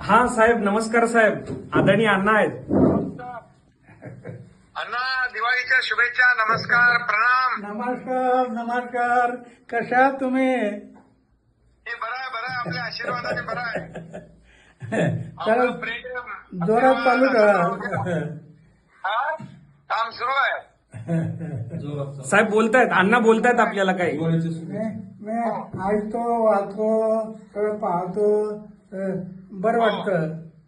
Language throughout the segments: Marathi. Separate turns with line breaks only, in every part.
हा साहेब, नमस्कार साहेब. आदरणीय अण्णा आहेत.
अण्णा, दिवाळीच्या शुभेच्छा. नमस्कार, प्रणाम.
नमस्कार नमस्कार. कशा आहात तुम्ही?
हे बरं आहे आपल्या आशीर्वादाने बरं आहे.
तर
आपलं प्रेम
जोरात चालू करा.
हा? काम सुरू आहे.
साहेब बोलतायत, अण्णा बोलतायत आपल्याला काही.
मी ऐकतो, वाचतो, सगळं पाहतो. बरं वाटतं.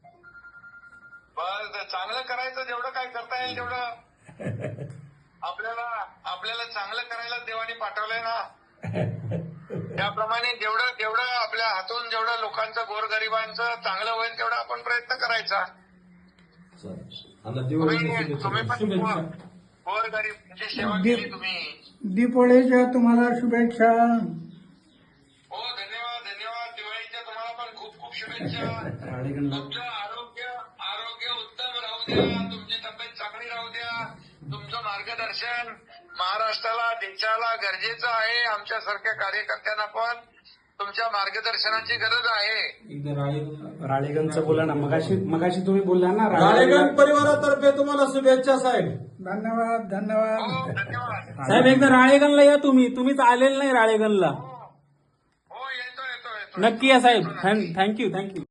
बरं, चांगलं करायचं. जेवढं काय करता येईल तेवढं आपल्याला चांगलं करायला देवाने पाठवलंय ना. त्याप्रमाणे जेवढं आपल्या हातून जेवढं लोकांचं, गोरगरिबांचं चांगलं होईल तेवढा आपण प्रयत्न करायचा. तुम्ही पण गोरगरिबांची सेवा केली तुम्ही.
दीपोळीच्या तुम्हाला शुभेच्छा.
हो, धन्यवाद. दिवाळीच्या तुम्हाला पण खूप शुभेच्छा. तुमचं आरोग्य उत्तम राहू द्या. तुमची तब्येत चांगली राहू द्या. तुमचं मार्गदर्शन महाराष्ट्राला, देशाला गरजेचं आहे. आमच्यासारख्या कार्यकर्त्यांना पण तुमच्या मार्गदर्शनाची गरज आहे.
राळेगणचं बोला ना. मगाशी तुम्ही बोलला ना.
राळेगण परिवारातर्फे तुम्हाला शुभेच्छा साहेब.
धन्यवाद धन्यवाद.
हो, धन्यवाद.
साहेब एकदा राळेगणला या तुम्हीच आलेलं नाही राळेगणला.
हो, येतो.
नक्की या साहेब. थँक्यू.